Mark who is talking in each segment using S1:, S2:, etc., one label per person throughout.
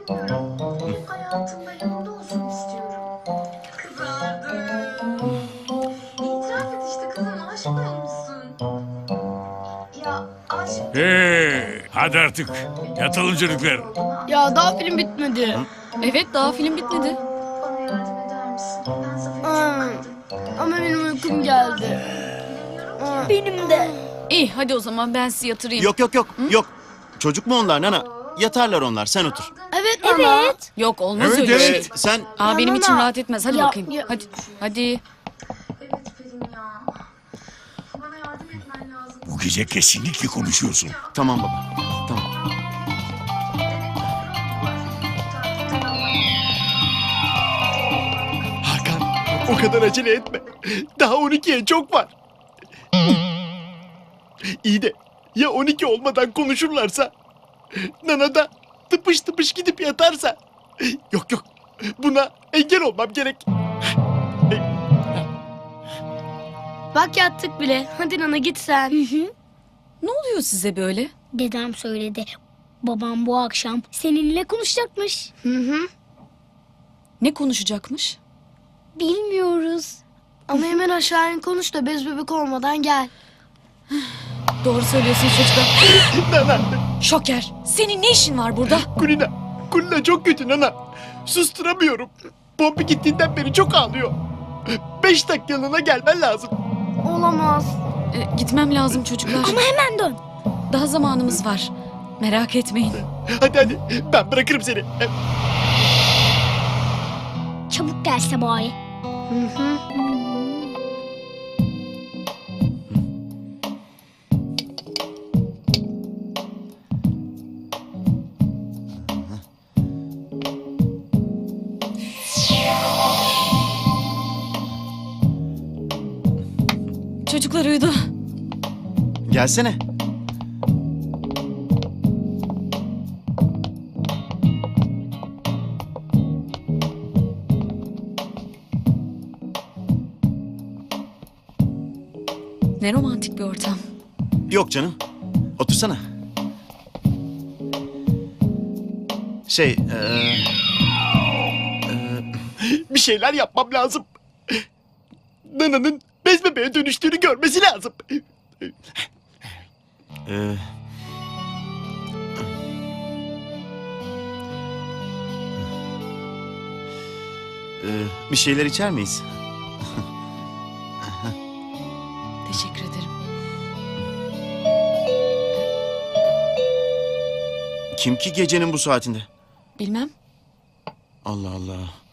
S1: istemiyorum. Hayatımda yanında olsun istiyorum. Kızardım. İtiraf et işte kızım, aşık olmuşsun. Ya aşık...
S2: Hadi artık. Yatalım çocuklar.
S3: Ya daha film bitmedi.
S4: Evet, daha film bitmedi.
S1: Bana yardım eder misin? Ben Zafer'i
S3: Aa,
S1: çok kırdım.
S3: ama benim uykum geldi.
S1: Bilemiyorum ki.
S3: Benim de.
S4: İyi, hadi o zaman ben sizi yatırayım.
S5: Yok yok yok yok. Çocuk mu onlar Nana? Yatarlar onlar, sen otur.
S3: Evet ana.
S4: Yok, olmaz
S2: Evet,
S4: öyle
S2: evet.
S4: şey.
S5: Sen
S4: Aa, benim
S3: Nana.
S4: içim rahat etmez. Hadi
S3: Ya,
S4: bakayım.
S3: ya.
S4: Hadi. Hadi.
S1: Evet Pelin ya. Bana yardım etmen lazım.
S2: Bu gece kesinlikle konuşuyorsun.
S5: tamam baba. Tamam.
S6: Hakan, o kadar acele etme. Daha 12'ye çok var. İyi de ya 12 olmadan konuşurlarsa? Nana da tıpış tıpış gidip yatarsa? Yok yok, buna engel olmam gerek.
S3: Bak yattık bile. Hadi Nana git sen.
S4: Ne oluyor size böyle?
S7: Dedem söyledi. Babam bu akşam seninle konuşacakmış.
S4: Ne konuşacakmış?
S7: Bilmiyoruz.
S3: Ama hemen aşağı in konuş da bez bebek olmadan gel.
S4: Doğru söylüyorsun çocuklar.
S6: Nana,
S4: Şoker, senin ne işin var burada?
S6: Kulina çok kötü Nana. Susturamıyorum. Pompi gittiğinden beri çok ağlıyor. 5 dakikalığına gelmen lazım.
S3: Olamaz.
S4: Gitmem lazım çocuklar.
S7: Ama hemen dön.
S4: Daha zamanımız var. Merak etmeyin.
S6: Hadi ben bırakırım seni.
S7: Çabuk gelse bari.
S4: Çocuklar uyudu.
S5: Gelsene.
S4: Ne romantik bir ortam.
S5: Yok canım. Otursana. Şey,
S6: Bir şeyler yapmam lazım. Nana'nın bez bebeğe dönüştüğünü görmesi lazım.
S5: e, bir şeyler içer miyiz?
S4: Teşekkür ederim.
S5: Kim ki gecenin bu saatinde?
S4: Bilmem.
S5: Allah Allah.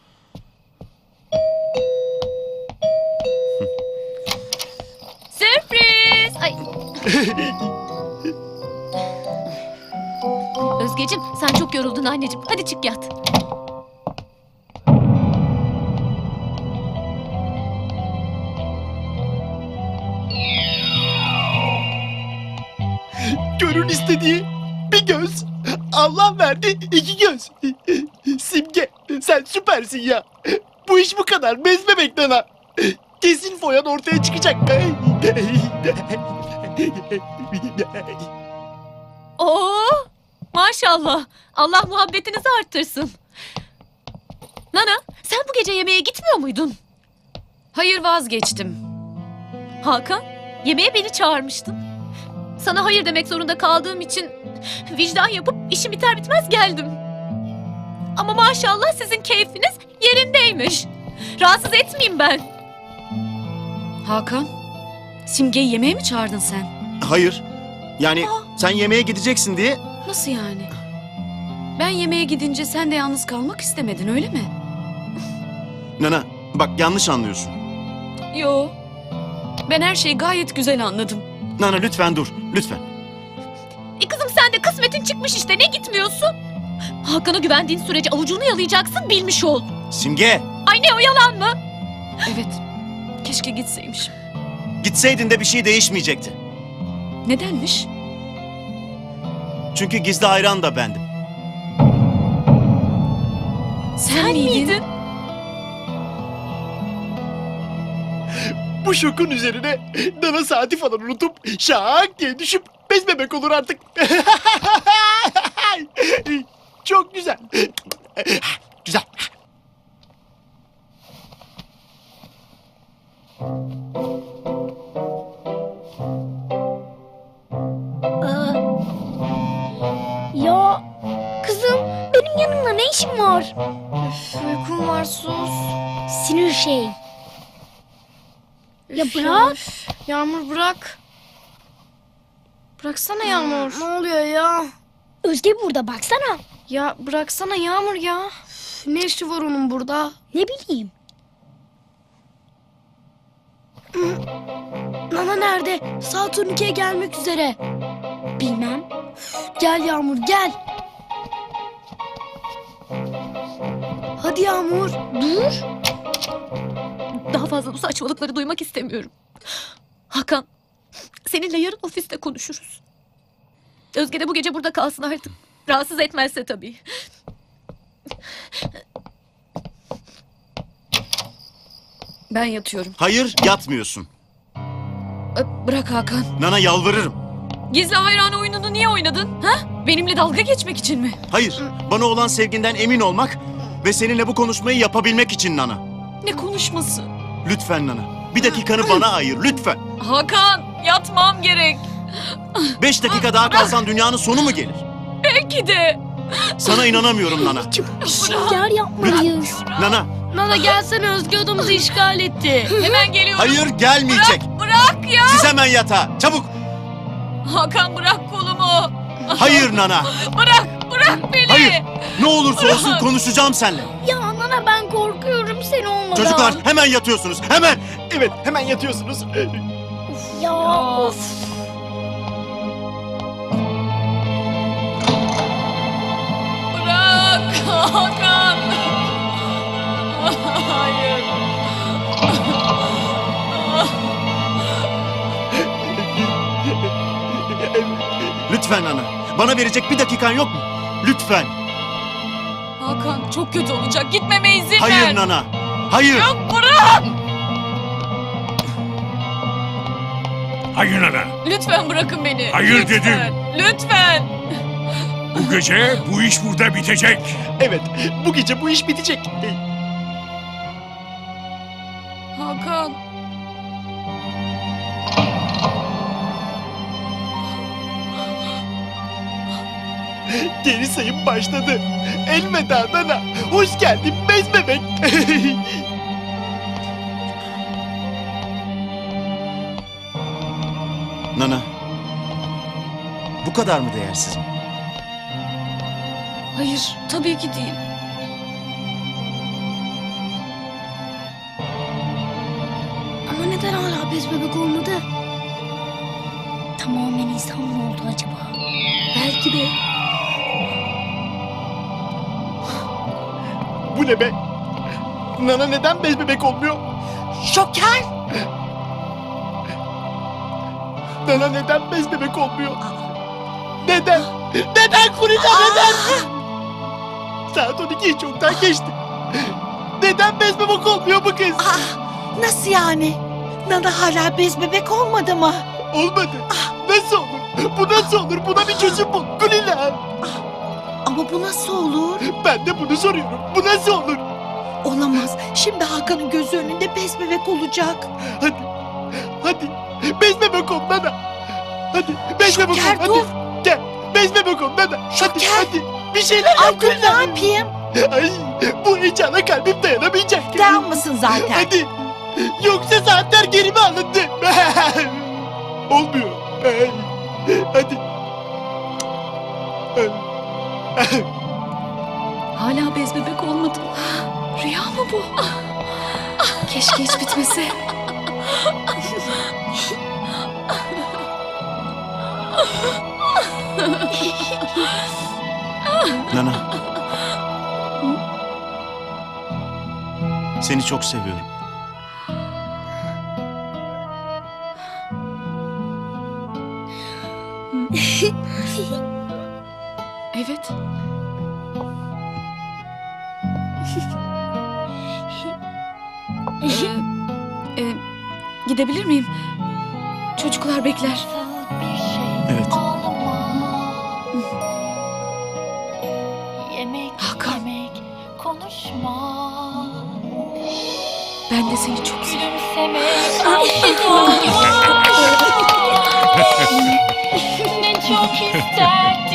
S8: Sürpriz! Ay. Özgeciğim sen çok yoruldun anneciğim. Hadi çık yat.
S6: Gönül istediği bir göz. Allah verdi 2 göz. Simge sen süpersin ya. Bu iş bu kadar. Bez bebek Nana. Kesin foyan ortaya çıkacak.
S8: Oo! Maşallah. Allah muhabbetinizi arttırsın. Nana, sen bu gece yemeğe gitmiyor muydun?
S4: Hayır, vazgeçtim.
S8: Hakan, yemeğe beni çağırmıştın. Sana hayır demek zorunda kaldığım için vicdan yapıp işim biter bitmez geldim. Ama maşallah sizin keyfiniz yerindeymiş. Rahatsız etmeyeyim ben.
S4: Hakan, Simge'yi yemeğe mi çağırdın sen?
S5: Hayır. Yani sen yemeğe gideceksin diye.
S4: Nasıl yani? Ben yemeğe gidince sen de yalnız kalmak istemedin, öyle mi?
S5: Nana bak yanlış anlıyorsun.
S4: Yo. Ben her şeyi gayet güzel anladım.
S5: Nana lütfen dur. Lütfen.
S8: Kızım sen de kısmetin çıkmış işte, ne gitmiyorsun? Hakan'a güvendiğin sürece avucunu yalayacaksın, bilmiş ol.
S5: Simge.
S8: Ay ne o, yalan mı?
S4: Evet. Keşke gitseymişim.
S5: Gitseydin de bir şey değişmeyecekti.
S4: Nedenmiş?
S5: Çünkü gizli hayran da bendim.
S4: Sen miydin?
S6: Bu şokun üzerine Nana saati falan unutup şak diye düşüp bez bebek olur artık. Çok güzel. Güzel.
S7: Ya kızım benim yanımda ne işin var?
S3: Uykum var sus.
S7: Sinir şey. Ya bırak.
S3: Yağmur bırak. Bıraksana Yağmur. Ne oluyor ya?
S7: Özge burada baksana.
S3: Ya bıraksana Yağmur ya. Ne işi var onun burada?
S7: Ne bileyim.
S3: Nana nerede? Saat 12'ye gelmek üzere.
S7: Bilmem.
S3: Gel Yağmur gel. Hadi Yağmur.
S7: Dur.
S8: Daha fazla bu saçmalıkları duymak istemiyorum. Hakan, seninle yarın ofiste konuşuruz. Özge de bu gece burada kalsın artık. Rahatsız etmezse tabii.
S4: Ben yatıyorum.
S5: Hayır, yatmıyorsun.
S4: Bırak Hakan.
S5: Nana yalvarırım.
S4: Gizli hayran oyununu niye oynadın? Ha? Benimle dalga geçmek için mi?
S5: Hayır, bana olan sevginden emin olmak ve seninle bu konuşmayı yapabilmek için Nana.
S4: Ne konuşması?
S5: Lütfen Nana. Bir dakikanı bana ayır, lütfen.
S4: Hakan, yatmam gerek.
S5: 5 dakika daha kalsan dünyanın sonu mu gelir?
S4: Belki de.
S5: Sana inanamıyorum Nana.
S7: Bir şeyler yapmalıyız.
S5: Nana,
S3: Nana gelsene Özge odamızı işgal etti.
S4: Hemen geliyorum.
S5: hayır gelmeyecek.
S4: Bırak ya.
S5: Siz hemen yatağa, çabuk.
S4: Hakan bırak kolumu.
S5: Hayır Nana,
S4: Bırak beni.
S5: hayır. Ne olursa olsun konuşacağım seninle.
S7: Ya nana ben korkuyorum sen olmadan.
S5: Çocuklar hemen yatıyorsunuz, hemen.
S6: Evet hemen yatıyorsunuz.
S7: Ya of.
S4: Bırak Hakan. Hayır.
S5: Lütfen Nana, bana verecek bir dakikan yok mu? Lütfen.
S4: Hakan çok kötü olacak. Gitmeme izin ver.
S5: Hayır Nana, hayır.
S4: Yok bırak.
S2: Hayır Nana.
S4: Lütfen bırakın beni.
S2: Hayır
S4: Lütfen.
S2: dedim.
S4: Lütfen.
S2: Bu gece bu iş burada bitecek.
S6: Evet bu gece bu iş bitecek.
S4: Hakan.
S6: Geri sayım başladı. Elveda Nana. Hoş geldin bez bebek.
S5: Nana, bu kadar mı değersiz?
S4: Hayır tabii ki değil.
S3: Ama neden hala bez bebek olmadı?
S7: Tamamen insan mı oldu acaba?
S3: Belki de.
S6: Bu ne be? Nana neden bez bebek olmuyor?
S9: Şoker!
S6: Nana neden bez bebek olmuyor? Neden? Neden Kulina neden? Saat 12'yi çoktan geçti. Neden bez bebek olmuyor bu kız?
S9: Nasıl yani? Nana hala bez bebek olmadı mı?
S6: Olmadı. Nasıl olur? Bu nasıl olur? Buna bir çözüm bul Kulina.
S9: Ama bu nasıl olur?
S6: Ben de bunu soruyorum. Bu nasıl olur?
S9: Olamaz. Şimdi Hakan'ın gözü önünde bez bebek olacak.
S6: Hadi. Hadi. Bez bebek ol Nana. Hadi. Bez bebek ol.
S9: Şoker
S6: Hadi.
S9: dur.
S6: Gel. Bez bebek ol Nana. Hadi.
S9: Şoker.
S6: Hadi. Bir şeyler
S9: Ay
S6: yap
S9: dur ne
S6: Kulina.
S9: yapayım?
S6: Ay. Bu heyecana kalbim dayanamayacak.
S9: Dayanmasın zaten.
S6: Hadi. Yoksa saatler geri mi alındı? Olmuyor. Hadi.
S4: Hala bez bebek olmadı. Rüya mı bu? Keşke hiç bitmese.
S5: Nana. Seni çok seviyorum.
S4: Evet. Gidebilir miyim? Çocuklar bekler.
S5: Evet.
S4: demek konuşmak. Ben de seni çok seviyorum. Ne çok isterdim.